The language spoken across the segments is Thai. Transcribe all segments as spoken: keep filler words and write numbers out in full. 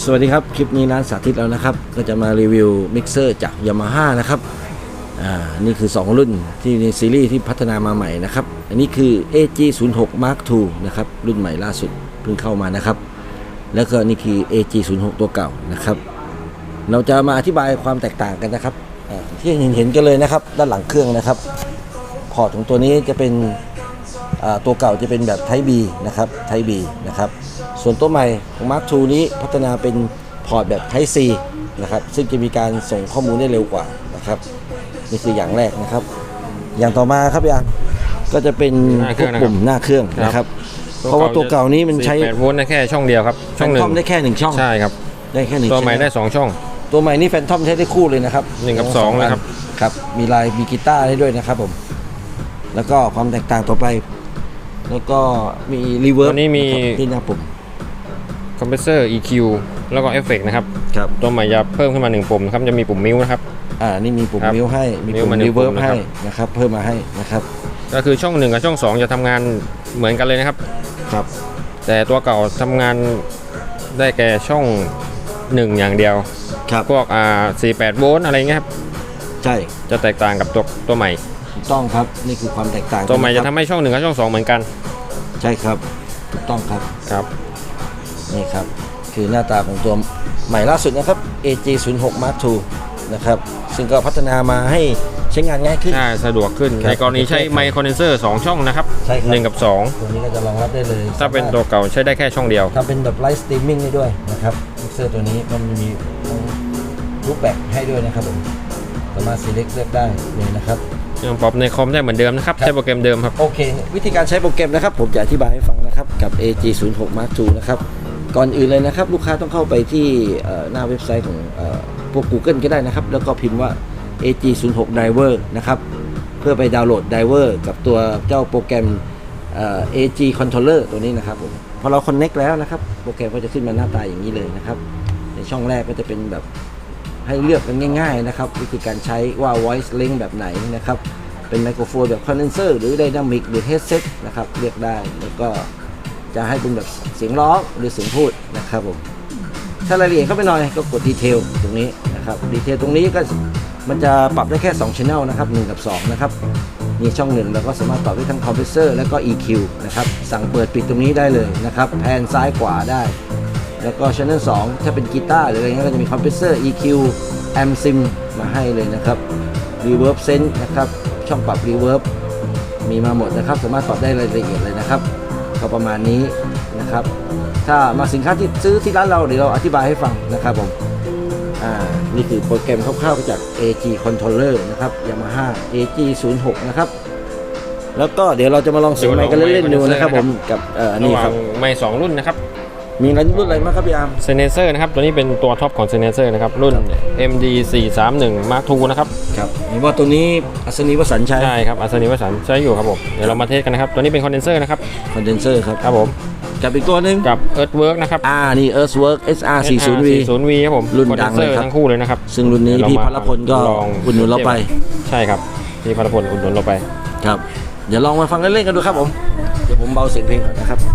สวัสดีครับคลิปนี้ร้านสาธิตแล้วนะครับก็จะมารีวิวมิกเซอร์จาก Yamaha นะครับอ่านี่คือสองรุ่นที่ในซีรีส์ที่พัฒนามาใหม่นะครับอันนี้คือ เอ จี ศูนย์ หก มาร์ค ทู นะครับรุ่นใหม่ล่าสุดเพิ่งเข้ามานะครับแล้วก็นี่คือ เอ จี ศูนย์ หก ตัวเก่านะครับเราจะมาอธิบายความแตกต่างกันนะครับที่เห็นเห็นกันเลยนะครับด้านหลังเครื่องนะครับพอร์ตของตัวนี้จะเป็นตัวเก่าจะเป็นแบบ Type B นะครับ Type B นะครับส่วนตัวใหม่ของ มาร์ค ทู นี้พัฒนาเป็นพอร์ตแบบ Type C นะครับซึ่งจะมีการส่งข้อมูลได้เร็วกว่านะครับนี่คืออย่างแรกนะครับอย่างต่อมาครับอย่างก็จะเป็นพวกปุ่มหน้าเครื่องนะครับเพราะว่าตัวเก่านี้มันใช้แปดโวลต์ได้แค่ช่องเดียวครับช่องหนึ่งได้แค่หนึ่งช่องใช่ครับได้แค่หนึ่งตัวใหม่ได้สองช่องตัวใหม่นี่แฟนทอมใช้ได้คู่เลยนะครับหนึ่งกับสองนะครับครับมีลายมีกีตาร์ได้ด้วยนะครับผมแล้วก็ความแตกต่างต่อไปแล้วก็มีรีเวิร์บตัวนี้มีที่หน้าปุ่มคอมเพรสเซอร์ อี คิว แล้วก็เอฟเฟกต์นะครับครับตัวใหม่จะเพิ่มขึ้นมาหนึ่งปุ่มนะครับจะมีปุ่มมิวนะครับอ่านี่มีปุ่มมิวให้มีปุ่มรีเวิร์บให้นะครับเพิ่มมาให้นะครับก็คือช่องหนึ่งกับช่องสองจะทำงานเหมือนกันเลยนะครับครับแต่ตัวเก่าทำงานได้แก่ช่องหนึ่งอย่างเดียวครับพวกอ่าสี่สิบแปดโวลต์อะไรเงี้ยครับใช่จะแตกต่างกับตัวตัวใหม่ถูกต้องครับนี่คือความแตกต่างตัวใหม่จะทำให้ช่องหนึ่งกับช่องสองเหมือนกันใช่ครับถูกต้องครับครับนี่ครับคือหน้าตาของตัวใหม่ล่าสุดนะครับ เอ จี ศูนย์ หก มาร์ค ทู นะครับซึ่งก็พัฒนามาให้ใช้งานง่ายขึ้นใช่สะดวกขึ้นในกรณีใช้ไมค์คอนเดนเซอร์สองช่องนะครับหนึ่งกับสองตัวนี้ก็จะรองรับได้เลยถ้าเป็นตัวเก่าใช้ได้แค่ช่องเดียวถ้าเป็นแบบไลฟ์สตรีมมิ่งได้ด้วยนะครับมิกเซอร์ตัวนี้มันมีรูปแบบให้ด้วยนะครับผมสามารถ select เลือกได้เลยนะครับยังปรับในคอมได้เหมือนเดิมนะครับใช้โปรแกรมเดิมครับโอเควิธีการใช้โปรแกรมนะครับผมจะอธิบายให้ฟังนะครับกับ เอ จี ศูนย์ หก มาร์ค ทู นะครับก่อนอื่นเลยนะครับลูกค้าต้องเข้าไปที่หน้าเว็บไซต์ของพวก Google ก็ได้นะครับแล้วก็พิมพ์ว่า เอ จี ศูนย์ หก Driver นะครับเพื่อไปดาวน์โหลด Driver กับตัวเจ้าโปรแกรม เอ จี Controller ตัวนี้นะครับผมพอเรา Connect แล้วนะครับโปรแกรมก็จะขึ้นมาหน้าตาอย่างนี้เลยนะครับในช่องแรกก็จะเป็นแบบให้เลือกกันง่ายๆนะครับวิธีการใช้ว่า Voice Link แบบไหนนะครับเป็นไมโครโฟนแบบ Condenser หรือ Dynamic หรือ Headset นะครับเลือกได้แล้วก็จะให้เป็นแบบเสียงร้องหรือเสียงพูดนะครับผมถ้ารายละเอียดเข้าไปหน่อยก็กดดีเทลตรงนี้นะครับดีเทลตรงนี้ก็มันจะปรับได้แค่สอง Channel นะครับหนึ่งกับสองนะครับนี่ช่องหนึ่งเราก็สามารถปรับได้ทั้ง Compressor และก็ อี คิว นะครับสั่งเปิดปิดตรงนี้ได้เลยนะครับแพนซ้ายขวาได้แล้วก็ Channel สองถ้าเป็นกีตาร์หรืออะไรเงี้ยก็จะมี Compressor อี คิว Amp Sim มาให้เลยนะครับ Reverb Sense นะครับช่องปรับ Reverb มีมาหมดนะครับสามารถปรับได้รายละเอียดเลยนะครับก็ประมาณนี้นะครับถ้ามาสินค้าที่ซื้อที่ร้านเราเดี๋ยวเราอธิบายให้ฟังนะครับผมอ่านี่คือโปรแกรมคร่าวๆจาก เอ จี Controller นะครับ Yamaha เอ จี ศูนย์ หก นะครับแล้วก็เดี๋ยวเราจะมาลองเสียงไมค์กันเล่นๆดูนะครับผมกับเอ่อนี่ครับไมค์สองรุ่นนะครับมีรุ่นอะไรบ้างครับพี่อาร์มเซเนเซอร์นะครับตัวนี้เป็นตัวท็อปของเซเนเซอร์นะครับรุ่น เอ็ม ดี สี่สามหนึ่ง มาร์ค ทู นะครับครับเห็นว่าตัวนี้อัศนีวสันต์ใช้ใช่ครับอัศนีวสันต์ใช้อยู่ครับผมเดี๋ยวเรามาเทสกันนะครับตัวนี้เป็นคอนเดนเซอร์นะครับคอนเดนเซอร์ครับครับผมกับอีกตัวนึงกับ Earthwork นะครับอ่านี่ Earthwork เอส อาร์ สี่สิบ วีสี่สิบ วี ครับผมรุ่นดังเลยครับทั้งคู่เลยนะครับซึ่งรุ่นนี้พี่พลพลก็อุดหนุนเราไปใช่ครับพี่พลพลอุดหนุนเราไปครับเดี๋ยวลองมาฟังเล่นๆกันดูครับผมเดี๋ยวผมเบาเสียงเพลงก่อนนะครับ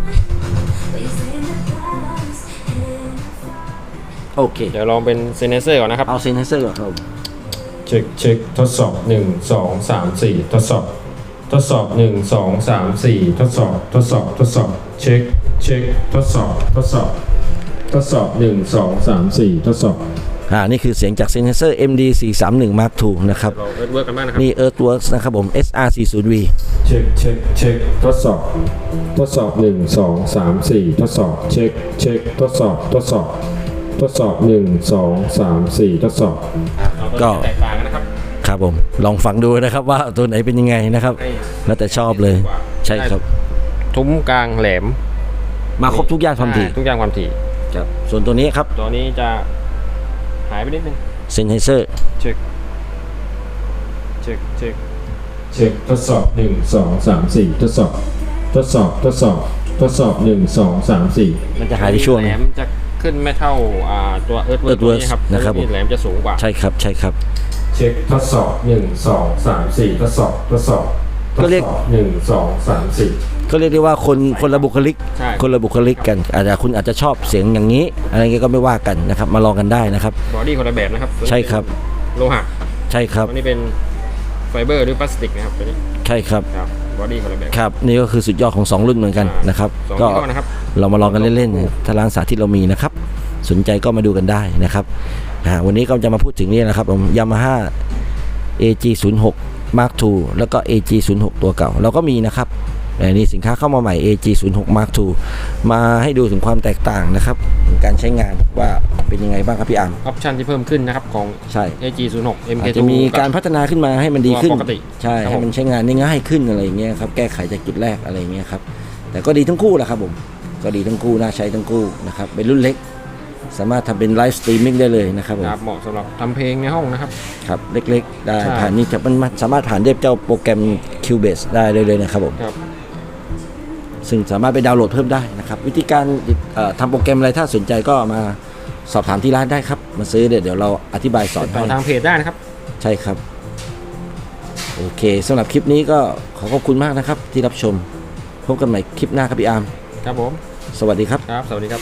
โอเคเดี๋ยวลองเป็นเซนเซอร์ก่อนนะครับเอาเซนเซอร์ก่อนครับเช็คเช็คทดสอบหนึ่ง สอง สาม สี่ทดสอบทดสอบหนึ่ง สอง สาม สี่ทดสอบทดสอบทดสอบเช็คเช็คทดสอบทดสอบทดสอบหนึ่ง สอง สาม สี่ทดสอบอ่านี่คือเสียงจากเซนเซอร์ เอ็ม ดี สี่สามหนึ่ง มาร์ค ทู นะครับนี่ Earthworks นะครับผม เอส อาร์ สี่สิบ วีเช็คเช็คเช็คทดสอบทดสอบหนึ่ง สอง สาม สี่ทดสอบเช็คเช็คทดสอบทดสอบทดสอบหนึ่ง สอง สาม สี่ทดสอบก็แตกต่างนะครับครับผมลองฟังดูนะครับว่าตัวไหนเป็นยังไงนะครับแล้วแต่ชอบเลยใช่ครับทุ้มกลางแหลมมาครบทุกอย่างความถี่ทุกอย่างความถี่ครับส่วนตัวนี้ครับตัวนี้จะหายไปนิดนึงเซนเซอร์เช็คเช็คเช็คเช็คทดสอบหนึ่ง สอง สาม สี่ทดสอบทดสอบทดสอบทดสอบหนึ่ง สอง สาม สี่มันจะหายในช่วงแหลมจะขึ้นไม่เท่าตัว Earthwork ครับนะครับแหลมจะสูงกว่าใช่ครับใช่ครับเช็คทดสอบหนึ่ง สอง สาม สี่ทดสอบทดสอบทก็เรียกหนึ่งสองสามสี่ก็เรียกได้ว่าคนคนละบุคลิกใช่คนละบุคลิกกันอาจจะคุณอาจจะชอบเสียงอย่างนี้อะไรเงี้ยก็ไม่ว่ากันนะครับมาลองกันได้นะครับบอดี้คนละแบบนะครับใช่ครับโลหะใช่ครับตัวนี้เป็นไฟเบอร์หรือพลาสติกนะครับตัวนี้ใช่ครับครับบอดี้คนละแบบครับนี่ก็คือสุดยอดของสองรุ่นเหมือนกันนะครับสองก็ยี่ห้อนะครับเรามาลองกันเล่นๆถ้าร้านสาธิตเรามีนะครับสนใจก็มาดูกันได้นะครับอ่าวันนี้ก็จะมาพูดถึงนี่นะครับผม Yamaha เอ จี ศูนย์หก Mark ทู แล้วก็ เอ จี ศูนย์หก ตัวเก่าเราก็มีนะครับแต่นี่สินค้าเข้ามาใหม่ เอ จี ศูนย์หก Mark ทู มาให้ดูถึงความแตกต่างนะครับการใช้งานว่าเป็นยังไงบ้างครับพี่อาร์มออปชันที่เพิ่มขึ้นนะครับของใช่เอ จี ศูนย์หก เอ็ม เคอาจทูจะมีการพัฒนาขึ้นมาให้มันดีขึ้นตัวปกติใช่ครับให้มันใช้งานได้ง่ายขึ้นอะไรอย่างเงี้ยครับแก้ไขจากจุดแรกอะไรอย่างเงี้ยครับแต่ก็ดีทั้งคู่แหละครับผมก็ดีทั้งคู่น่าใช้ทั้งคู่นะครับเป็นรุ่นเล็ก สามารถทำเป็นไลฟ์สตรีมมิ่งได้เลยนะครับผมครับเหมาะสำหรับทำเพลงในห้องนะครับครับเล็กๆ ได้ใช่ผ่านนี่จะมันมันสามารถผ่านได้เจ้าโปรแกรม Cubase ได้เลยเลยนะครับผมครับซึ่งสามารถไปดาวน์โหลดเพิ่มได้นะครับวิธีการเอ่อทำโปรแกรมอะไรถ้าสนใจก็มาสอบถามที่ร้านได้ครับมาซื้อเดี๋ยวเดี๋ยวเราอธิบายสอนติดให้ต่อทางเพจได้นะครับใช่ครับโอเคสำหรับคลิปนี้ก็ขอขอบคุณมากนะครับที่รับชมพบกันใหม่คลิปหน้าครับพี่อาร์มครับผมสวัสดีครับครับ สวัสดีครับ